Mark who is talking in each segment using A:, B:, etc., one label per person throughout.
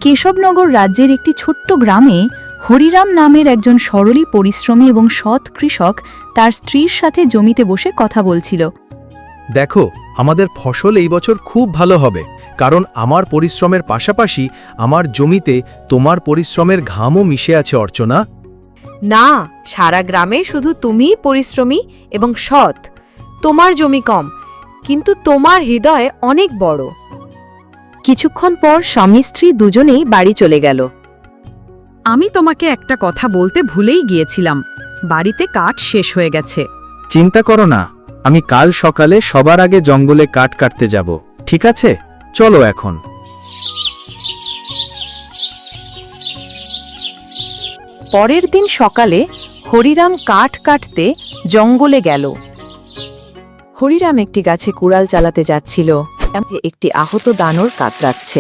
A: কেশবনগর রাজ্যের একটি ছোট্ট গ্রামে হরিরাম নামের একজন সরলী পরিশ্রমী এবং সৎ কৃষক তার স্ত্রীর সাথে জমিতে বসে কথা বলছিল।
B: দেখো, আমাদের ফসল এই বছর খুব ভালো হবে, কারণ আমার পরিশ্রমের পাশাপাশি আমার জমিতে তোমার পরিশ্রমের ঘামও মিশে আছে অর্চনা।
C: না, সারা গ্রামে শুধু তুমিই পরিশ্রমী এবং সৎ। তোমার জমি কম, কিন্তু তোমার হৃদয় অনেক বড়। কিছুক্ষণ পর স্বামী স্ত্রী দুজনেই বাড়ি চলে গেল।
D: আমি তোমাকে একটা কথা বলতে ভুলেই গিয়েছিলাম, বাড়িতে কাঠ শেষ হয়ে গেছে।
E: চিন্তা করো না, আমি কাল সকালে সবার আগে জঙ্গলে কাঠ কাটতে যাব, ঠিক আছে? চলো এখন।
C: পরের দিন সকালে হরিরাম কাঠ কাটতে জঙ্গলে গেল। হরিরাম একটি গাছে কুড়াল চালাতে যাচ্ছিল, একটি আহত দানর কাতরাচ্ছে।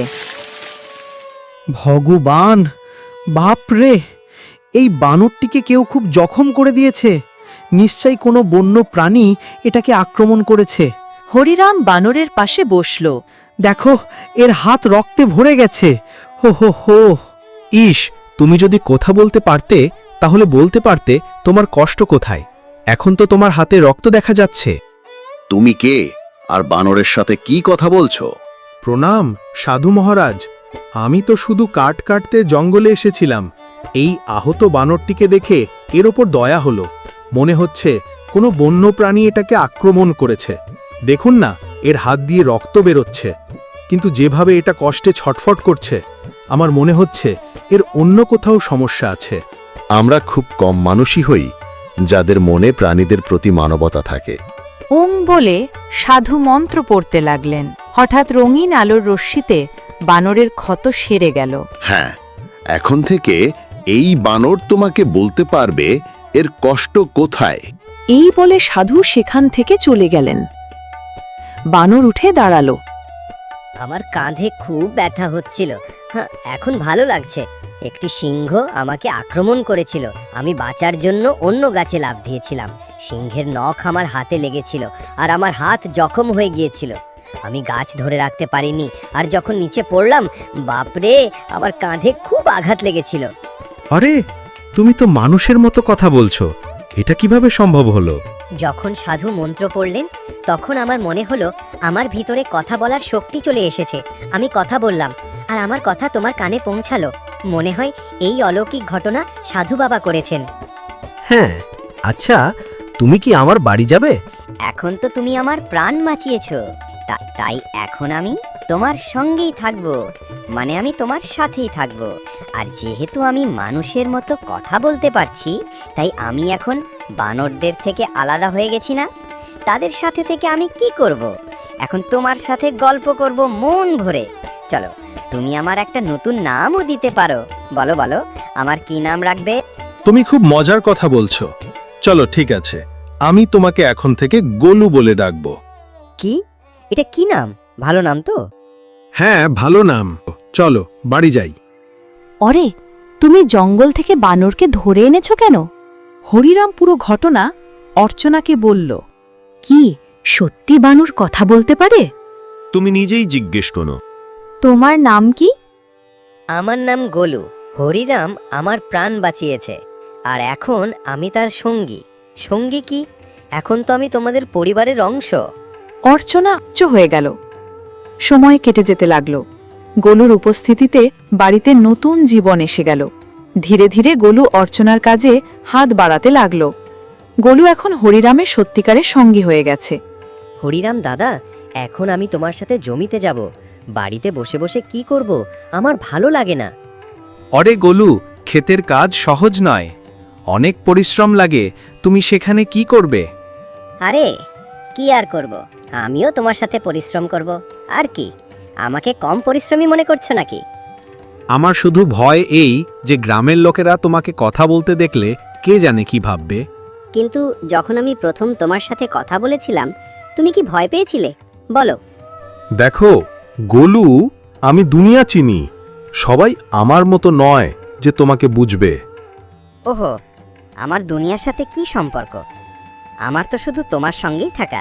F: ভগবান, বাপরে, এই বানরটিকে কেউ খুব জখম করে দিয়েছে। নিশ্চয়ই কোনো বন্য প্রাণী এটাকে আক্রমণ করেছে।
C: হরিরাম বানরের পাশে বসল।
F: দেখো, এর হাত রক্তে ভরে গেছে। হো হো হো।
B: ইস, তুমি যদি কথা বলতে পারতে তাহলে বলতে পারতে তোমার কষ্ট কোথায়। এখন তো তোমার হাতে রক্ত দেখা যাচ্ছে।
G: তুমি কে আর বানরের সাথে কি কথা বলছো?
B: প্রণাম সাধু মহারাজ, আমি তো শুধু কাঠ কাটতে জঙ্গলে এসেছিলাম। এই আহত বানরটিকে দেখে এর ওপর দয়া হলো। মনে হচ্ছে কোনো বন্য প্রাণী এটাকে আক্রমণ করেছে। দেখুন না, এর হাত দিয়ে রক্ত বেরোচ্ছে, কিন্তু যেভাবে এটা কষ্টে ছটফট করছে, আমার মনে হচ্ছে এর অন্য কোথাও সমস্যা আছে।
G: আমরা খুব কম মানুষই হই যাদের মনে প্রাণীদের প্রতি মানবতা থাকে।
C: ওং বলে সাধু মন্ত্র পড়তে লাগলেন। হঠাৎ রঙিন আলোর রশ্মিতে বানরের ক্ষত সেরে গেল।
G: হ্যাঁ, এখন থেকে এই বানর তোমাকে বলতে পারবে এর কষ্ট কোথায়।
C: এই বলে সাধু সেখান থেকে চলে গেলেন। বানর উঠে দাঁড়ালো।
H: আমার কাঁধে খুব ব্যথা হচ্ছিল। হ্যাঁ, এখন ভালো লাগছে। একটি সিংহ আমাকে আক্রমণ করেছিল। আমি বাঁচার জন্য অন্য গাছে লাফ দিয়েছিলাম। সিংহের নখ আমার হাতে লেগেছিল আর আমার হাত জখম হয়ে গিয়েছিল। আমি গাছ ধরে রাখতে পারিনি, আর যখন নিচে পড়লাম, বাপরে, আমার কাঁধে খুব আঘাত লেগেছিল।
B: আরে, তুমি তো মানুষের মতো কথা বলছো, এটা কিভাবে সম্ভব হলো?
H: যখন সাধু মন্ত্র পড়লেন, তখন আমার মনে হলো আমার ভিতরে কথা বলার শক্তি চলে এসেছে। আমি কথা বললাম, আর আমার কথা তোমার কানে পৌঁছালো। মনে হয় এই অলৌকিক ঘটনা সাধু বাবা করেছেন।
F: হ্যাঁ, আচ্ছা, তুমি কি আমার বাড়ি যাবে?
H: এখন তো তুমি আমার প্রাণ বাঁচিয়েছ, তাই এখন আমি তোমার সঙ্গেই থাকবো। মানে আমি তোমার সাথেই থাকবো। আর যেহেতু আমি মানুষের মতো কথা বলতে পারছি, তাই আমি এখন বানরদের থেকে আলাদা হয়ে গেছি না? তাদের সাথে থেকে আমি কি করব? এখন তোমার সাথে গল্প করব মন ভরে। চলো, তুমি আমার একটা নতুন নামও দিতে পারো। বলো বলো, আমার কি নাম রাখবে?
B: তুমি খুব মজার কথা বলছো। চলো, ঠিক আছে, আমি তোমাকে এখন থেকে গোলু বলে ডাকবো।
H: কি? এটা কি নাম? ভালো নাম তো?
B: হ্যাঁ, ভালো নাম। চলো, বাড়ি যাই।
A: অরে, তুমি জঙ্গল থেকে বানরকে ধরে এনেছো কেন? হরিরাম পুরো ঘটনা অর্চনাকে বলল। কি সত্যি বানর কথা বলতে পারে?
B: তুমি নিজেই জিজ্ঞেস করো।
A: তোমার নাম কি?
H: আমার নাম গোলু। হরিরাম আমার প্রাণ বাঁচিয়েছে, আর এখন আমি তার সঙ্গী। সঙ্গী কি? এখন তো আমি তোমাদের পরিবারের অংশ।
C: অর্চনা উচ্চ হয়ে গেল। সময় কেটে যেতে লাগল। গোলুর উপস্থিতিতে বাড়িতে নতুন জীবন এসে গেল। ধীরে ধীরে গোলু অর্চনার কাজে হাত বাড়াতে লাগল। গোলু এখন হরিরামের সত্যিকারের সঙ্গী হয়ে গেছে।
H: হরিরাম দাদা, এখন আমি তোমার সাথে জমিতে যাব। বাড়িতে বসে বসে কি করব? আমার ভালো লাগে না।
B: অরে গোলু, ক্ষেতের কাজ সহজ নয়, অনেক পরিশ্রম লাগে। তুমি সেখানে কি করবে?
H: আরে, কি আর করব? আমিও তোমার সাথে পরিশ্রম করব। আর কি, আমাকে কম পরিশ্রমী মনে করছো নাকি?
B: আমার শুধু ভয় এই যে গ্রামের লোকেরা তোমাকে কথা বলতে দেখলে কে জানে কি ভাববে।
H: কিন্তু যখন আমি প্রথম তোমার সাথে কথা বলেছিলাম, তুমি কি ভয় পেয়েছিলে? বলো।
B: দেখো গোলু, আমি দুনিয়া চিনি। সবাই আমার মতো নয় যে তোমাকে বুঝবে।
H: ওহো, আমার দুনিয়ার সাথে কি সম্পর্ক? আমার তো শুধু তোমার সঙ্গেই থাকা।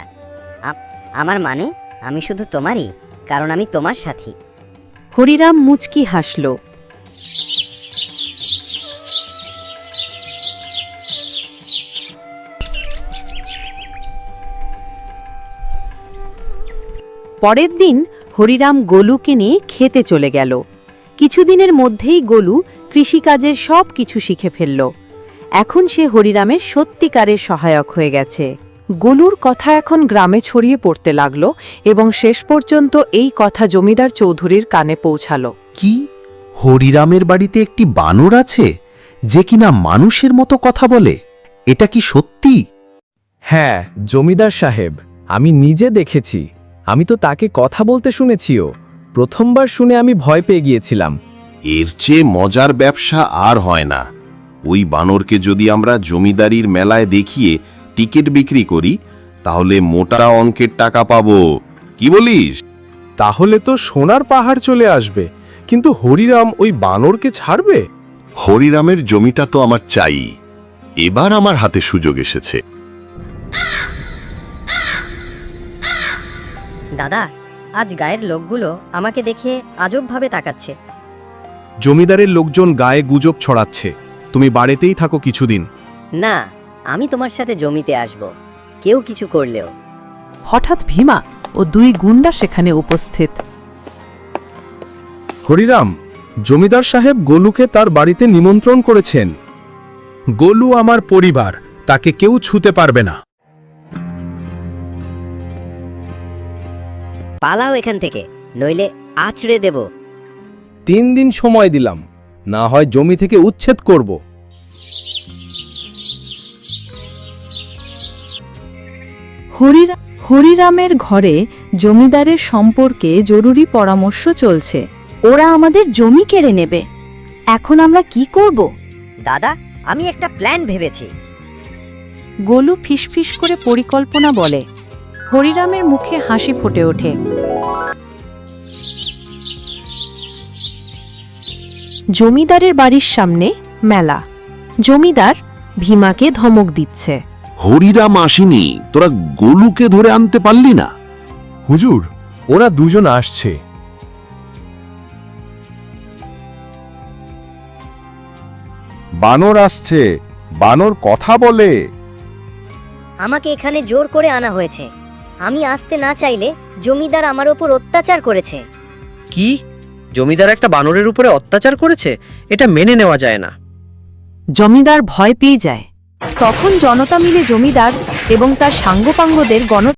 H: আমার মানে আমি শুধু তোমারই, কারণ আমি তোমার সাথী।
C: হরিরাম মুচকি হাসল।
A: পরের দিন হরিরাম গোলুকে নিয়ে খেতে চলে গেল। কিছুদিনের মধ্যেই গোলু কৃষিকাজের সব কিছু শিখে ফেলল। এখন সে হরিরামের সত্যিকারের সহায়ক হয়ে গেছে।
C: গোলুর কথা এখন গ্রামে ছড়িয়ে পড়তে লাগল এবং শেষ পর্যন্ত এই কথা জমিদার চৌধুরীর কানে পৌঁছালো।
E: কি হরিরামের বাড়িতে একটি বানর আছে যে কিনা মানুষের মতো কথা বলে? এটা কি সত্যি?
I: হ্যাঁ জমিদার সাহেব, আমি নিজে দেখেছি। আমি তো তাকে কথা বলতে শুনেছিও। প্রথমবার শুনে আমি ভয় পেয়ে গিয়েছিলাম।
G: এর চেয়ে মজার ব্যবসা আর হয় না। ওই বানরকে যদি আমরা জমিদারির মেলায় দেখিয়ে টিকিট বিক্রি করি তাহলে মোটা অঙ্কের টাকা পাবো। কি বলিস?
I: তাহলে তো সোনার পাহাড় চলে আসবে। কিন্তু হরিরাম ওই বানরকে ছাড়বে?
G: হরিরামের জমিটা তো আমার চাই। এবার আমার হাতে সুযোগ এসেছে।
H: দাদা, আজ গায়ের লোকগুলো আমাকে দেখে আজবভাবে তাকাচ্ছে।
B: জমিদারের লোকজন গায়ে গুজব ছড়াচ্ছে। তুমি বাড়িতেই থাকো কিছুদিন।
H: না, আমি তোমার সাথে জমিতে আসব, কেউ কিছু করলেও।
C: হঠাৎ ভীমা ও দুই গুন্ডা সেখানে উপস্থিত।
I: হরিরাম, জমিদার সাহেব গোলুকে তার বাড়িতে নিমন্ত্রণ করেছেন।
B: গোলু আমার পরিবার, তাকে কেউ ছুতে পারবে না।
H: পালাও এখান থেকে, নইলে আছড়ে দেব।
I: 3 দিন সময় দিলাম, না হয় জমি থেকে উচ্ছেদ করব।
C: হরিরামের ঘরে জমিদারের সম্পর্কে জরুরি পরামর্শ চলছে।
A: ওরা আমাদের জমি কেড়ে নেবে। এখন আমরা কি করব?
H: দাদা, আমি একটা প্ল্যান ভেবেছি।
C: গোলু ফিসফিস করে পরিকল্পনা বলে। হরিরামের মুখে হাসি ফুটে ওঠে। জমিদারের বাড়ির সামনে মেলা। জমিদার ভীমাকে ধমক দিচ্ছে।
G: হরিরাম আসেনি, তোরা গোলুকে ধরে আনতে পারলি না?
I: হুজুর, ওরা দুজন আসছে।
E: বানর আসছে, বানর কথা বলে।
H: আমাকে এখানে জোর করে আনা হয়েছে। আমি আসতে না চাইলে জমিদার আমার ওপর অত্যাচার করেছে।
F: কি? জমিদার একটা বানরের উপরে অত্যাচার করেছে? এটা মেনে নেওয়া যায় না।
C: জমিদার ভয় পেয়ে যায়। তখন জনতা মিলে জমিদার এবং তার সাঙ্গপাঙ্গদের